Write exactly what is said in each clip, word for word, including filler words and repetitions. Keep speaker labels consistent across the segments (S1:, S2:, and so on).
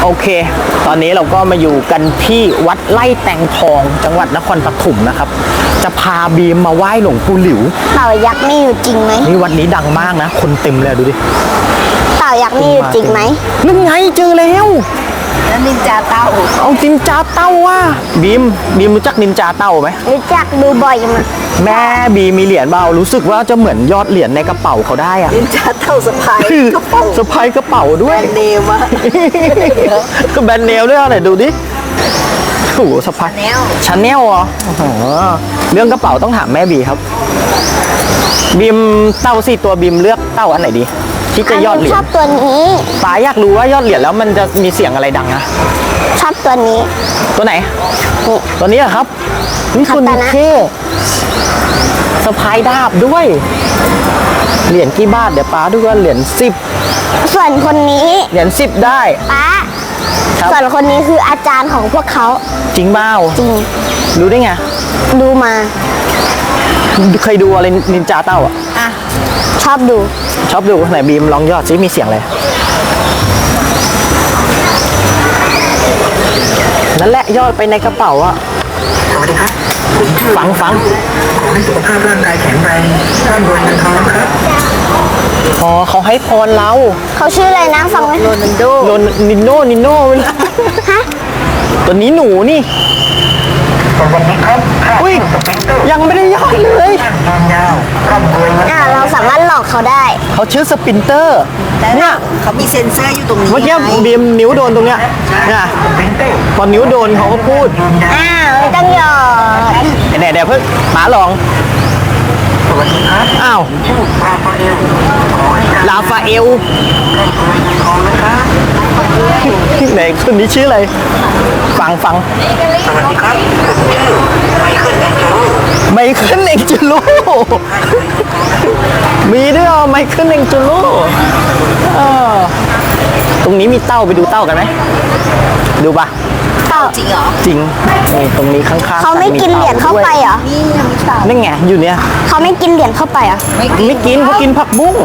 S1: โอเคตอนนี้เราก็มาอยู่กันที่วัดไร่แตงทองจังหวัดนครปฐมนะครับจะพาบีมมาไหว้หลวงปู่หลิว
S2: เต่ายักษ์นี่อยู่จริงไหม
S1: นี่วัดนี้ดังมากนะคนเต็มเลยดูดิ
S2: เต่ายักษ์นี่อยู่จริงไหม
S1: นั่นไงเจอแล้ว
S2: แล้วนินจาเต่า
S1: เอานินจาเต่าว่ะบีมบีมรู้จักนินจาเต่าไหม
S2: รู้จักดูบ่อยมา
S1: แม่บีมีเหรียญเบารู้สึกว่าจะเหมือนยอดเหรียญในกระเป๋าเขาได้อะ
S2: นินจาเต่าสะพายกระเป๋า
S1: สะพายกระเป๋าด้วย
S2: แบรนด์เนมอะ
S1: ก็แบรนด์เนมด้วยอะไรดูดิโอ้โหสะพายชาแนลเหรอโอ้โหเรื่องกระเป๋าต้องถามแม่บีครับบีมเต่าสี่ตัวบีมเลือกเต่าอันไหนดีที่จะยอดเหรียญ
S2: ชอบตัวนี้
S1: ป๋าอยากรู้ว่ายอดเหรียญแล้วมันจะมีเสียงอะไรดังนะ
S2: ชอบตัวนี้
S1: ตัวไหนตัวนี้ครับนี่คุณเท่สะพายดาบด้วยเหรียญกี่บาทเดี๋ยวป้าดูว่าเหรียญสิบ
S2: ส่วนคนนี้
S1: เหรียญสิบได้
S2: ป้าส่วนคนนี้คืออาจารย์ของพวกเขา
S1: จริงเปล่า
S2: จริง
S1: รู้ได้ไง
S2: ดูมา
S1: เคยดูอะไรนินจาเต้าอ่ะ
S2: อ่ะชอบดู
S1: ชอบดูไหนบีมลองยอดซิมีเสียงอะไรนั่นแหละยอดไปในกระเป๋าอะ
S3: สวัสดีครับ
S1: ฟังฟัง
S3: ขอให้สุขภาพร่างกายแข็งแรงร่ำรวยเงินทองครับ
S1: อ๋อเขาให้พรเรา
S2: เขาชื่ออะไรนะฟังไหมโรนัลโด
S1: โรนิโน่นิโน่
S2: ฮะ
S1: ตัวนี้หนูนี่
S3: สวัสดีครับ
S1: อุ้ยยังไม่ได้ยอดเลย
S3: ยาวร่ำรวย
S2: อ่าเราสามารถหลอกเขาได้
S1: เขาชื่อสปินเตอร์เนี่ย
S2: เขามีเซ็นเซอร์อยู่ตรงนี้
S1: เมื่อกี้บีมนิ้วโดนตรงเนี้ยเนี่ยพอนิ้วโดนเขาก็พูด
S2: อ้าวไม่ต้องหยอด
S1: เดี๋ยวเดี๋ยวเพิ่งป๋าลอง
S3: สวัสดีครับ
S1: อ้าว
S3: ชื่อลาฟาเอล
S1: ลาฟาเอล
S3: ทองนะครับ
S1: ไหนคนนี้ชื่ออะไรฟังฟัง
S3: สวัสดีครับผมชื่อไมเคิลแองเจโร่
S1: ไมเคิลเอ็งจูโร่มีด้วยอ่ะไมเคิลเอ็งจูโร่ตรงนี้มีเต้าไปดูเต้ากันไหมดูปะ
S2: เต่าจริงเหรอ
S1: จริงนี่ตรงนี้ข้างๆ
S2: เขาไม่กินเหรียญเข้าไปเหรอนี่ยังมีเต่า
S1: นั่นไงอยู่เนี่ย
S2: เขาไม่กินเหรียญเข้าไปเหรอ
S1: ไม่ไม่กินเขากินผักบุ้ง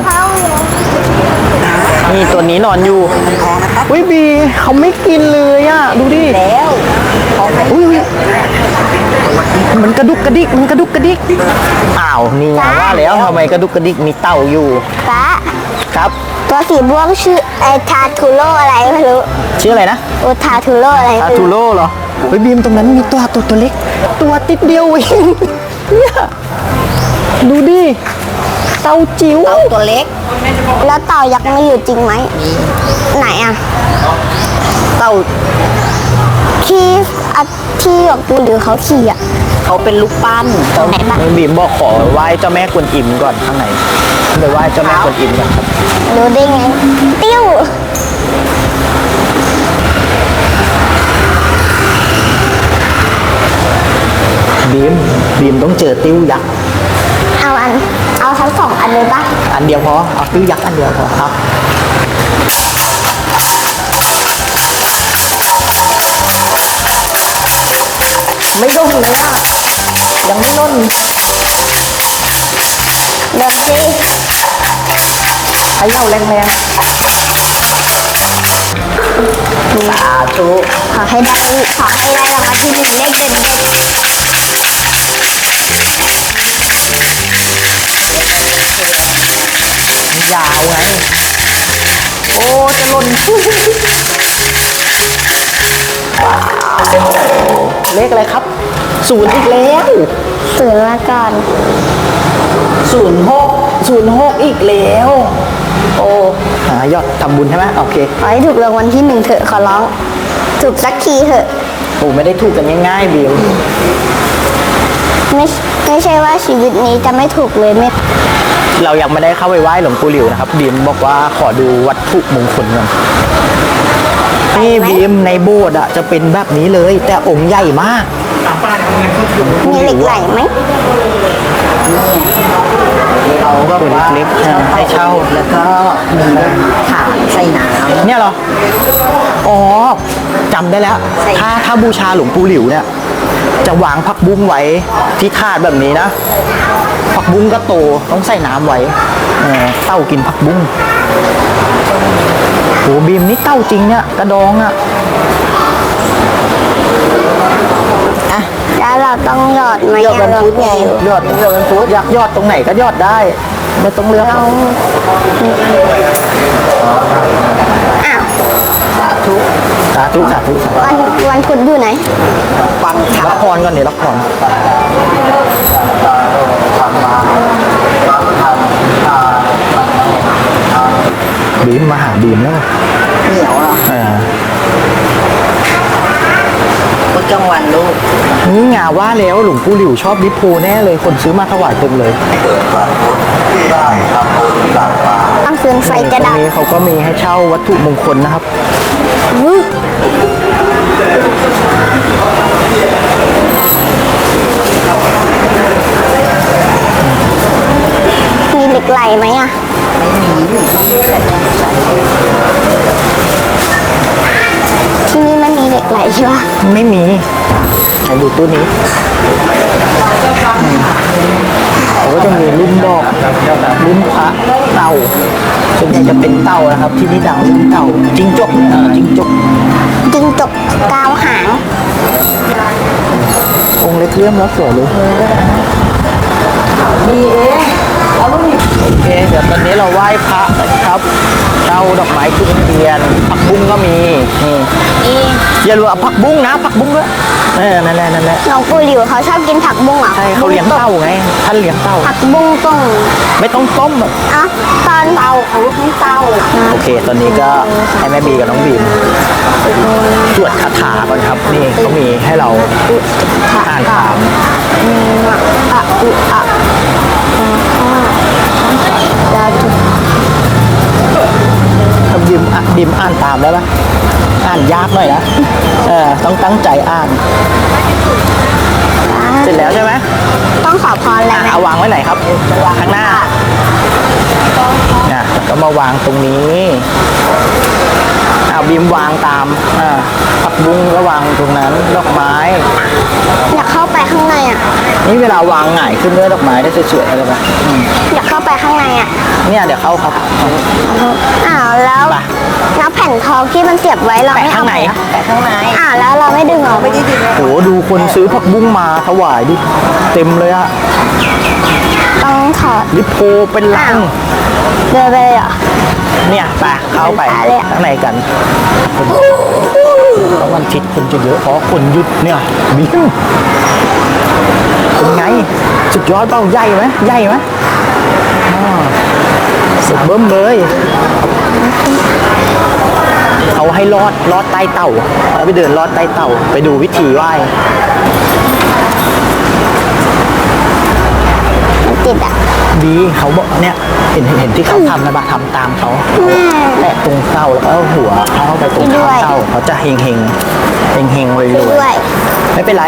S1: นี่ตัวนี้นอนอยู่อุ้ยบีเขาไม่กินเลยอ่ะดูดิ
S2: แล้ว
S1: อุ้ยมันกระดุกกระดิกมันกระดุกกระดิกอ้าวนี่ไงว่าแล้วทำไมกระดุกกระดิกมีเต่าอยู่
S2: ป้า
S1: ครับ
S2: ตัวสีม่วงชื่อไอทาทูโร่อะไรไม่รู้
S1: ชื่ออะไรนะ
S2: โอทาทูโร่อะไร
S1: ทาทูโร่เหรอเฮ้ยบีมตรงนั้นมีตัวตัวตัวเล็กตัวติดเดียวเองเนี่ยดูดิเต่าจิ๋ว
S2: เต่าตัวเล็กแล้วเต่ายักษ์ไม่อยู่จริงไหมไหนอ่ะ
S1: เต่า
S2: ที่ที่หลวงปู่หรือเขาขี่อ่ะ
S1: เขาเป็นลูกปั้นไหนบ้างบีมบอกขอไหว้เจ้าแม่กวนอิมก่อนข้างในไปไหว้เจ้าแม่กวนอิมก่อนครับ
S2: รู้ได้ไงติ้ว
S1: บีมบีมต้องเจอติ้วยักษ์
S2: เอาอันเอาทั้งสองอันเลยปะ
S1: อันเดียวพอเอาติ้วยักษ์อันเดียวพอครับไม่ล่นเลยอ่ะยังไม่ล่น
S2: เดินสิ
S1: ให้เล่าแรงๆสาธุ
S2: ขอให้ได้ขอให้ได้รางวัลที่หนึ่งเลขเด็ดๆ
S1: ยาวไงโอ้จะหล่นเลขอะไรครับศูนย์อีกแล้ว
S2: ศูนย์มาก่อน
S1: ศูนย์หกศูนย์หกอีกแล้วโอ้หายอดทำบุญใช่ไหมโอเค
S2: ขอให้ถูกรางวัลที่หนึ่งเถอะขอร้องถูกสักทีเถอะ
S1: โอ้ไม่ได้ถูกกันง่ายๆบิว
S2: ไม่ไม่ใช่ว่าชีวิตนี้จะไม่ถูกเลยไม่
S1: เรายังไม่ได้เข้าไปไหว้หลวงปู่หลิวนะครับบีมบอกว่าขอดูวัตถุมงคลก่อนนี่บีมในโบสถ์อะจะเป็นแบบนี้เลยแต่องค์ใหญ่มาก
S2: มีเหล็กไหลไหม
S1: เขาก็เป็นเล็กๆให้เช่า
S2: แล้วก็มีถาดใส่น้ำ
S1: เนี่ยเหรออ๋อจำได้แล้วถ้าถ้าบูชาหลวงปู่หลิวเนี่ยจะวางผักบุ้งไว้ที่ถาดแบบนี้นะผักบุ้งก็โตต้องใส่น้ำไว้เต่ากินผักบุ้งบีมนี่เต้าจริงเนี่ยกระดองอ่ะ
S2: แล้วเราต้องหยอดไหม
S1: ยอดเป็นฟุตไง
S2: อะ
S1: ยอดยอดเป็นฟุตอยากยอดตรงไหนก็ยอดได้ ไม่ต้องเลือก
S2: เรา
S1: เอา
S2: อ้าว
S1: สาธุสาธุสาธุ
S2: วันวันพุธอยู่ไหน
S1: ฟังละครก่อนนี่ละครบีมมาหาบีมแล้ว
S3: เหนียวอ่ะ
S1: อ่า
S3: พุธกลางวันลูก
S1: นี่งาว่าแล้วหลวงปู่หลิวชอบลิโพแน่เลยคนซื้อมาถวายเต็มเลย
S2: ต้องซื้อไฟกระ
S1: ตร
S2: ดาง ษ
S1: นี้เขาก็มีให้เช่าวัตถุมงคลนะครับ
S2: อุ๊ยมีเหล็กไหลไหมอ่ะ ที่นี่มันมีเหล็กไหลใช่ปะ
S1: ไม่มีไหนดูตู้นี้อืมเขาก็จะมีรุ่นดอกรุ่นพระเต่าส่วนใหญ่จะเป็นเต่านะครับ ที่นี่ดังรุ่นเต่าจิงจกเออจิงจก
S2: จิงจกกาวหาง
S1: องค์เล็กเลื่อมแล้วสวยเลยมีเองโอเคเดี๋ยวตอนนี้เราไหว้พระนะครับเช่าดอกไม้ทุเรียนผักบุ้งก็มีนี่อย่าลืมเอาผักบุ้งนะผักบุ้งด้วยเออนั่นแหละนั่นแหละ
S2: น้องปูหลิวเขาชอบกินผักบุ้งเหรอ
S1: ใช่เขาเลี้ยงเต่าไงท่านเลี้ยงเต่า
S2: ผักบุ้งต้ง
S1: ไม่ต้องต้มอะ
S2: อ่ะตอนเตาเขาให้เตา
S1: โอเค ตอนนี้ก็ให้แม่บีกับน้องบีมสวดคาถาก่อนครับ นี่เขามีให้เราอ่านตาม
S2: อะอุอะดาจุ
S1: ถ้าบีมอ่ะบีมอ่านตามได้ปะอ่านยากหน่อยนะเออต้องตั้งใจอ่าน เสร็จแล้วใช่ไหม
S2: ต้องขอพรอะไร
S1: อ่ะ
S2: ไหม
S1: เอาวางไว้ไหนครับ ข้างหน้าเนี่ยแล้วก็มาวางตรงนี้เอาบีมวางตามอ่าผักบุ้งก็วางตรงนั้นดอกไม้
S2: อยากเข้าไปข้างในอ่ะ
S1: นี่เวลาวางหงายขึ้นด้วยดอกไม้ได้สวยๆอะไรแบบอืม
S2: อยากเข้าไปข้างในอ่ะ
S1: เนี่ยเดี๋ยวเข้าครับ
S2: อ้าวแล้ว
S1: ไป
S2: แล้วแผ่นทองที่มันเสียบไว้เรา
S1: แปะ
S2: ไม่
S1: ข้า
S2: เอา
S1: งใน
S2: แปะข้างในอ้าวแล้วเราไม่ดึงออกไม่ได้ดึง
S1: โหดูคนซื้อผักบุ้งมาถวายดิเต็มเลยอะ
S2: ต้องถอด
S1: ลิโพเป็นลัง
S2: เดินไปเลยเหรอ
S1: เนี่ยไปเข้าไป
S2: ไปเลยอะ
S1: ข้างในกันเพราะวันอาทิตย์คนจะเยอะเพราะคนหยุดเนี่ยบิ้มเป็นไงสุดยอดเปล่าใหญ่ไหมใหญ่ไหมอ่าสุดเบิ้มเลยเขาให้ลอดลอดใต้เต่าเอาไปเดินลอดใต้เต่าไปดูวิธีไหว้
S2: มันติดอ่ะ
S1: ดีเขาบอกเนี่ยเห็นเห็นเห็นที่เขาทำนะบะทำตามเขาแตะตรงเต้าแล้วก็เอาหัวเขาเข้าไปตรงเท้าเต้าเขาจะเฮงเฮงเฮงเฮงเลย
S2: ช่วยด้วย
S1: ไม่เป็นไร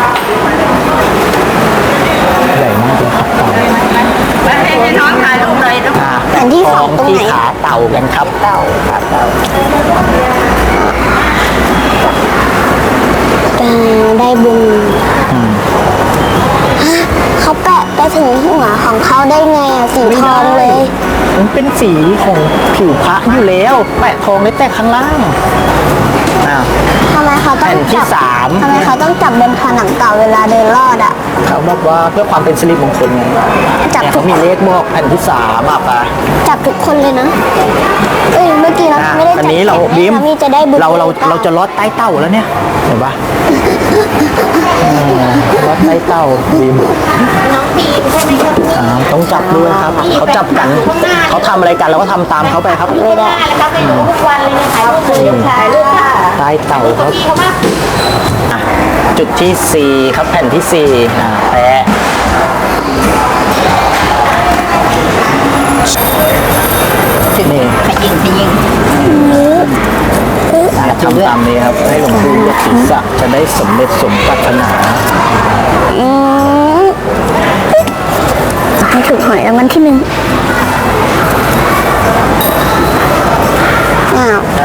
S1: ใหญ่มากเลยครับเต่า
S3: แล้วให้น้องถ่ายรูปเลยนะ
S1: อ่า
S2: แผ่นที่สองตรง
S1: ที่
S2: ไหน
S1: ขาเต่ากันครับเต่าขาเต่า
S2: เออได้บุญฮะเขาแปะไปถึงหัวของเขาได้ไงอ่ะสีทองเลย
S1: มันเป็นสีของผิวพระอยู่แล้วแปะทองได้แต่ข้างล่างอ่า
S2: ทำไมเขาต้อง
S1: แผ่นที่
S2: จับ
S1: สาม
S2: ทำไมเขาต้องจับบนผนังเต่าเวลาเดินลอดอ่ะ
S1: เขาบอกว่าเพื่อความเป็นสิริมงคลไง
S2: จับ
S1: เนี่ย
S2: ทุ
S1: เขา
S2: ก
S1: มีเลขบอกแผ่นที่สามอ่ะปะ
S2: จับทุกคนเลยนะ เอ้ยเมื่อกี้เรา
S1: อ่ะ
S2: ไม่ได้
S1: อั
S2: จั
S1: นนี้เราบีม
S2: มีจะได้บุญ
S1: เราเราเราจะลอดใต้เต่าแล้วเนี่ยเห็นปะอืมลอดใต้เต่าบีม
S2: น้องบีมใช่ไหมครับ
S1: อ่าต้องจับด้วยครับเขาจับกันเขาทำอะไรกันเราก็ทำตามเขาไปครับ
S2: ไม่ได้แล้วก็ไปดูทุกวันเลยถ่ายรูปเลยถ่ายรูปค่ะ
S1: ใต้เต่าครับอ่ะจุดที่สี่ครับแผ่นที่สี่อ่าแปะนี่
S3: ขยิงขยิง
S1: ทำตามนี้ครับให้หลวงปู่ยกศีรษะจะได้สำเร็จสมปรารถนา
S2: อืมให้ถูกหอยรางวัลที่หนึ่งอ้าว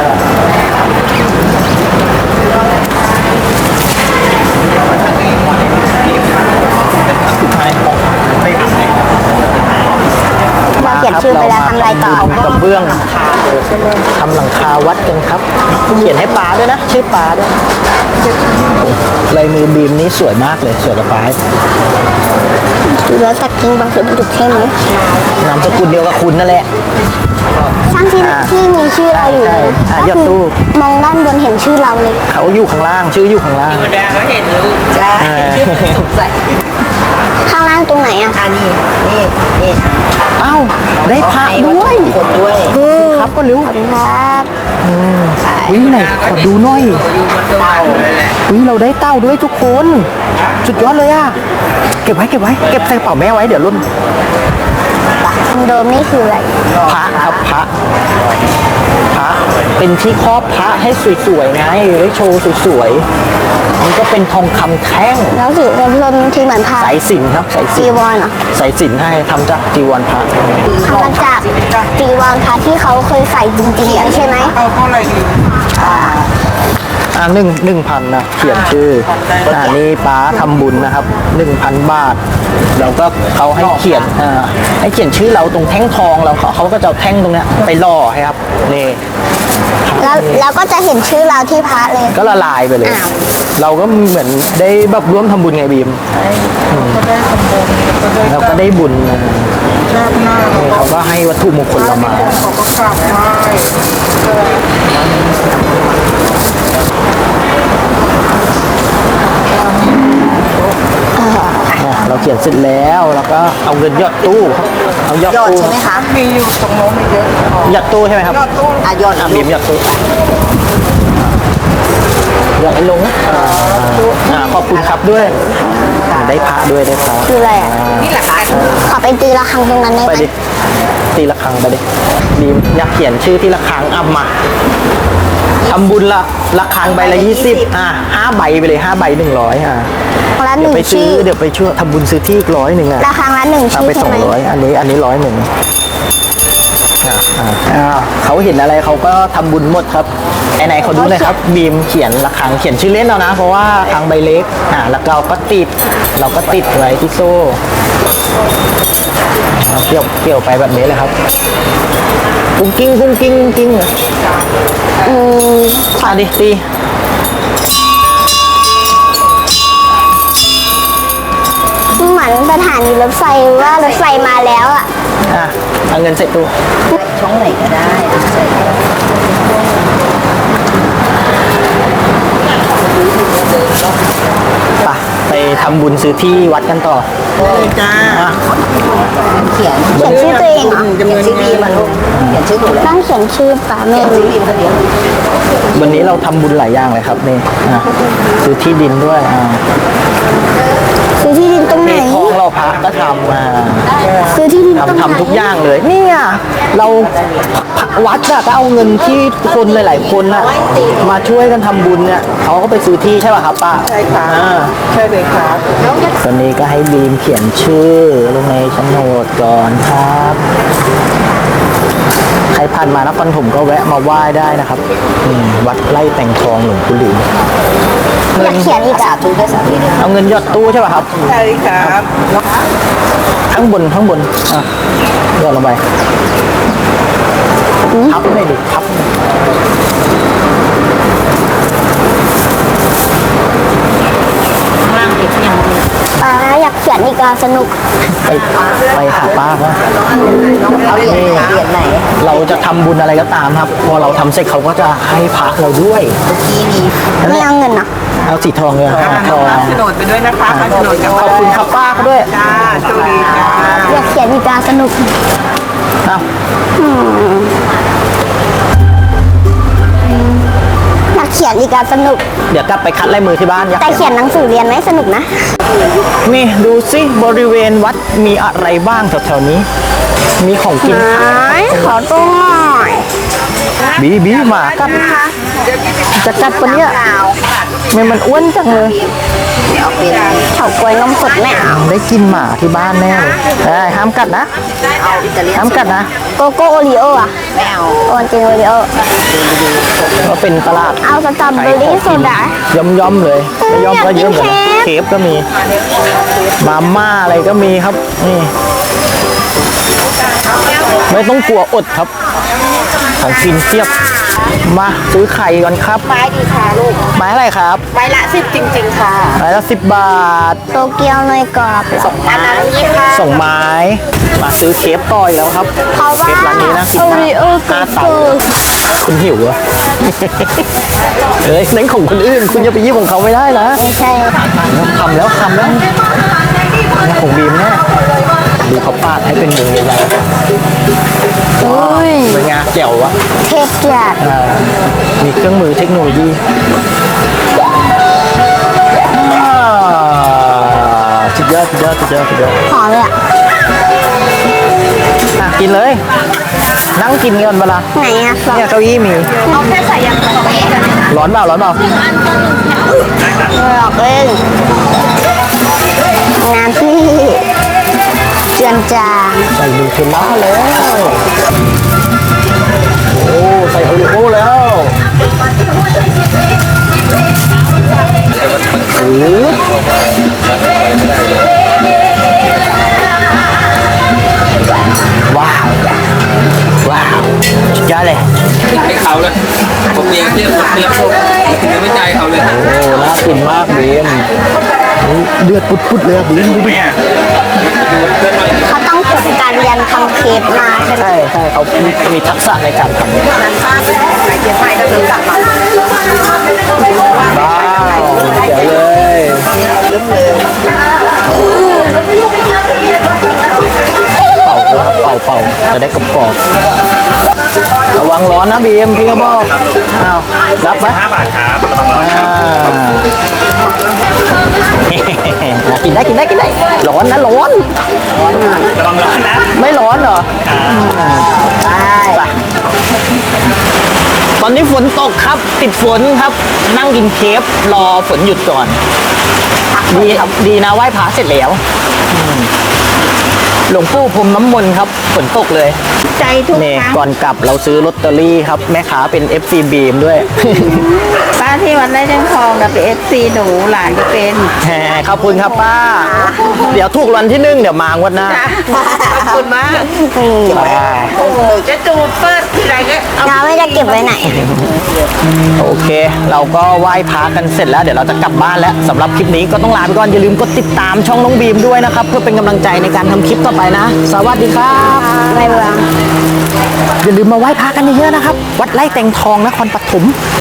S1: สุดท้ายไม่ทำไง
S2: เราเขียนชื่อไปแล้วทำอะไรต่อ
S1: กระเบื้องทำหลังคาวัดกันครับ เขียนให้ป้าด้วยนะ ชื่อป้าด้วยลายมือบีมนี้สวยมากเลย สวยกับป้า
S2: ดูแล้วสักกิ้งบางสุดจุดใช่ไหม
S1: นามสกุลเดียวกับคุณนั่นแหละ
S2: ช่างที่
S1: อ่า
S2: ที่มีชื่อเราอยู่
S1: ใช่อ่ะ
S2: ก็
S1: ยอดตู้
S2: มองด้านบนเห็นชื่อเราเลย
S1: เขาอยู่ข้างล่าง ชื่ออยู่ข้างล่าง
S3: ธรรมดาก็เห็นลูกจ้า
S1: อ่า
S3: สงสัย
S2: ข้างล่างตรงไหนอ่ะ
S3: อันนี้นี่นี่
S1: เอ้า ได้พระด้วย
S3: คนด้วย
S1: เออครับก็รู้
S2: ขอบคุณครับ
S1: วิไหนขอดูหน่อย
S3: เต่าเลยแหละ
S1: วิเราได้เต้าด้วยทุกคน สุดยอดเลยอ่ะ เก็บไว้เก็บไว้ เก็บใส่กระเป๋าแม่ไว้เดี๋ยวรุ่น
S2: ทางเดิมนี่คืออะไร
S1: พระครับพระ พระ เป็นที่ครอบพระให้สวยๆไงไว้โชว์สวยๆมันก็เป็นทองคำแท่ง
S2: แล้วสีเริ่มต้นที่เหมือนผ้า
S1: สายสิญจนครับสายสิ
S2: จี
S1: ญจ
S2: วน รเหรอ
S1: สายสิญจนให้ทำจากจีวรพระ
S2: ทำมาจากจีวรพระที่เขาเคยใส่จริงๆอันใช่ไหม
S3: เอาเท่าไหร่ดี
S1: อ่าหนึ่งหนึ่งพันนะเขียนชื่ออ่านี่ป้าทำบุญนะครับหนึ่งพันบาทเราก็เขาให้เขียนอ่าให้เขียนชื่อเราตรงแท่งทองเราเขาเขาก็จะเอาแท่งตรงเนี้ยไปล่อให้ครับนี่
S2: แล้วแล้วก็จะเห็นชื่อเราที่พระเลย
S1: ก็ละลายไปเลย
S2: อ้าว
S1: เราก็เหมือนได้แบบร่วมทำบุญไงบีม
S3: ก็ได้สมบูรณ์ก็ได้
S1: เราก็ได้บุญนะ
S3: รอบหน้า
S1: นี่เขาก็ให้วัตถุมงคลเรามา
S3: เขาก็กราบไหว้
S1: อ่ะเราเขียนเสร็จแล้วเราก็เอาเงินหยอดตู้ครับเอาหยอด
S2: ยอด
S1: ตู้
S2: ใช่ไหมคะ
S3: มีอยู่ตรงโน้นไม่เยอะ
S1: หยอดตู้ใช่ไหมครับ
S3: ยอดตู้
S2: อ่ะยอด
S1: อ่ะบีมหยอดตู้หยอดให้ลงอ่าอ่าขอบคุณครับด้วยอ่าได้พระด้วยได้พระ
S2: คืออะไรอ่ะ
S3: นี่แหละค่ะ
S2: ขอไปตีระฆังตรงนั้นได้
S1: ไป
S2: ไหม
S1: ดิตีละครังไปดิบีมอยากเขียนชื่อที่ละครังอ่ะมาทำบุญละละครังใบละยี่สิบอ่ะห้าใบไปเลยห้าใบหนึ่งร้อยอ่ะ
S2: ละห
S1: เดี๋ย
S2: นึ่
S1: ว
S2: ง
S1: ไปซื้
S2: ชื่
S1: อ
S2: อ
S1: เดี๋ยวไปช่วยทำบุญซื้อที่อีกร้อยหนึ่งอ่ะ
S2: ระฆังละหนึ่ง
S1: เอา
S2: ชื่อ
S1: ไป
S2: ใช่
S1: สอง
S2: ไหม
S1: ร้อยอันนี้อันนี้ร้อยหนึ่งอ่ะอ่ะอ่ะเขาเห็นอะไรเขาก็ทำบุญหมดครับไอ้ไหนเขาดูหน่อยครับบีมเขียนละครังเขียนชื่อเล่นเอานะ เพราะว่าครังใบเล็กอ่ะแล้วเราก็ติด เราก็ติดไว้ที่โซ่เอาเกี่ยวเกี่ยวไปแบบนี้เลยครับกุ้งกิ้งกุ้งกิ้งกุ้งกิ้ง
S2: อืม
S1: อ่ะดิตี
S2: เหมือนสถานีรถไฟว่ารถไฟมาแล้วอ่ะ
S1: อ่ะเอาเงินใส่ตู้
S2: ช่องไหนก็ได้
S1: ไปไปทำบุญซื้อที่วัดกันต่อ
S3: เลยจ้า
S1: อ่ะ
S2: เขียนเขียนชื่อตัวเองเหรอ
S3: จำนวนชื่อบีมาลูกเขียนชื่อหนูเลย
S2: ต้องเขียนชื่อป่าไม่รู้
S1: วันนี้เราทำบุญหลายอย่างเลยครับนี่อ่ะซื้อที่ดินด้วยอ่ะ
S2: ซื้อที่ดินตรงไหน
S1: เททองเราพระก็ทำมา
S2: ซื้อที่ดินตรงไหน
S1: ทำทำทุกอย่างเลยเนี่ยเราวัดอะก็เอาเงินที่คนหลาย ๆ คนอะมาช่วยกันทำบุญเนี่ยเขาก็ไปซื้อที่ใช่ป่ะครับป้า
S3: ใช่ค่ะ
S1: อ่า
S3: ใช่เลยครับ
S1: ตอนนี้ก็ให้บีมเขียนชื่อลงในโฉนดก่อนครับ ใครผ่านมานครถมก็แวะมาไหว้ได้นะครับอืมวัดไร่แต่งทองหลวงปู่หลิว
S2: อยากเขียนอีกอ่ะ
S1: เอาเงินหยอดตู้ใช่ป่ะครับ
S3: ใช่ครับ
S1: ข้างบนข้างบนอ่ะหยอดลงไปทับเลยดิทับ
S2: ป้าอยากเขียนอีกอ่ะสนุก
S1: ไปไปหาป้าว่า
S2: เอาเหรียญไหนเหรียญไหน
S1: เราจะทำบุญอะไรก็ตามครับ พอเราทำเสร็จเขาก็จะให้พระเราด้วย
S2: ไม่เอาเงินนะ
S1: เอาสีทองเลยอ่ะทอง
S3: โฉนดไปด้วยนะคะโฉนดกับ
S1: ขอบคุณครับป้าเขาด้วย
S3: จ้าโชคดีจ้า
S2: อยากเขียนอีกอ่ะสนุก
S1: เอา
S2: อยากเขียนอีกอ่ะสนุก
S1: เดี๋ยวกลับไปคัดลายมือที่บ้านอยาก
S2: แต่เขียนหนังสือเรียนไหมสนุกนะ
S1: นี่ดูสิบริเวณวัดมีอะไรบ้างแถวๆนี้ มีของกินขาย
S2: ขอตัวหน่อย
S1: บีบีหมากัดจะกัดปะเนี่ยทำไมมันอ้วนจังเลย
S2: เฉาก๊วยนมสดไม่เอา
S1: ได้กินหมาที่บ้านแน่เลยได้ห้ามกัดนะห้ามกัดนะ
S2: โกโก้โอรีโออ่ะไม่เอาโอนจริงโอรีโอ
S1: ก็เป็นตลาด
S2: เอาสตรอเบอรี่โซดา
S1: ย่อมย่อมๆเลยไม่ย่อมก็เยอะเหมือนกัน
S2: อยากกิน
S1: เค
S2: เคฟ
S1: ฟก็มี มาม่าอะไรก็มีครับ นี่ ไม่ต้องกลัวอดครับ ทของกินเทียบ มาซื้อไข่ก่อนครับ
S3: ไม้ดีค่ะลูก
S1: ไม้อะไรครับ
S3: ไม้ละสิบจริงๆค่ะ
S1: ไม้ละสิบบาท
S2: โตเกียวเนยกรอบเหรอ
S3: อันนั้นยี่ค่ะ
S1: ส่งไม้ มาซื้อเคฟต่ออีกแล้วครับ
S2: เพราะ
S1: เค
S2: ว่า
S1: ฟร้านนี้นะกิน
S2: โอ
S1: มาก
S2: ริโอ
S1: หน้า
S2: กุ
S1: เตา
S2: กุ
S1: คุณหิวเหรอะ เฮ้ยนั่นของคนอื่น คุณอย่าไปยิบของเขาไม่ได้นะ
S2: ไม่ใช่
S1: ทำแล้วทำแล้วนี่ของบีมแน่ดูเขาปาดให้เป็นวงใหญ่
S2: อุ้ย
S1: ๆเป็นไงแจ๋ววะ
S2: เทปจัด
S1: อ่ามีเครื่องมือเทคโนโลยีอ่าสุดยอดสุดยอดสุดยอดสุดยอด
S2: หอมเลยอ่ะ
S1: อ่ะกินเลย นั่งกินกันเวลา
S2: ไหนอ่ะฟอง
S1: เนี่ยเก้าอี้มี
S3: เอาแค่ใส่ยางกระบอกกัน
S1: ร้อนเปล่าร้อนเปล่า
S2: หลอกเล่นงานที่เจือนจาง
S1: ใส่ดูเทลล่าแล้ว โอ้ใส่โอริโอแล้วหรือว้าว ว้าวสุดยอดเลย
S4: ให้เขาเลยผมเลี้ยงเรียกเรียกพวกยังไม่ใจายเขาเลย
S1: โอ้น่ากินมากบีมเดือดปุดๆเลยอะบีมดูดิ
S2: เขาต้องฝึกการเรียนทำเคปมาใช่ไหม
S1: ใช่ใช่เขามีมีทักษะในการทำ
S3: นั้นป้าใส่เทียนไฟก็คือกลับมา
S1: ว้าวเจ๋งเลยเป่าเป่าเป่าจะได้กรอบๆระวังร้อนนะบีมพี่ก็บอกอ้าวรับไหมห้าบาทครับกินได้กินได้กินได้ร้อนนะร้อนระวังร้อนนะไม่ร้อนเหรอใช่ตอนนี้ฝนตกครับติดฝนครับนั่งกินเคฟรอฝนหยุดก่อนดีดีนะไหว้พระเสร็จแล้วอืมหลวงปู่พรมน้ำมนต์ครับฝนตกเลย
S3: ใจทุก
S1: นี่
S3: ครั้ง
S1: ก่อนกลับเราซื้อลอตเตอรี่ครับ แม่ค้าเป็น เอฟ ซี บีมด้วย
S3: ป้าที่วัดไร่แจ้งทองกับเป็นเอฟซีหนูหลานก็เป็น
S1: แหมขอบคุณครับป้า เดี๋ยวถูกรางวันที่หนึ่งเดี๋ยวมางวดหน้า
S3: ขอบคุณมาก
S2: อืม
S3: โอ้โหจะจูดเปิดทีไรก็เอา
S2: เราไม่จะเก็บไว้ไหน
S1: โอเค เราก็ไหว้พระกันเสร็จแล้วเดี๋ยวเราจะกลับบ้านแล้วสำหรับคลิปนี้ก็ต้องลาไปก่อนอย่าลืมกดติดตามช่องน้องบีมด้วยนะครับ เพื่อเป็นกำลังใจในการทำคลิปต่อไปนะ สวัสดีครับ
S2: ไม่เบื่อ
S1: อย่าลืมมาไหว้พระกันเยอะๆนะครับ วัดไร่แตงทองนครปฐม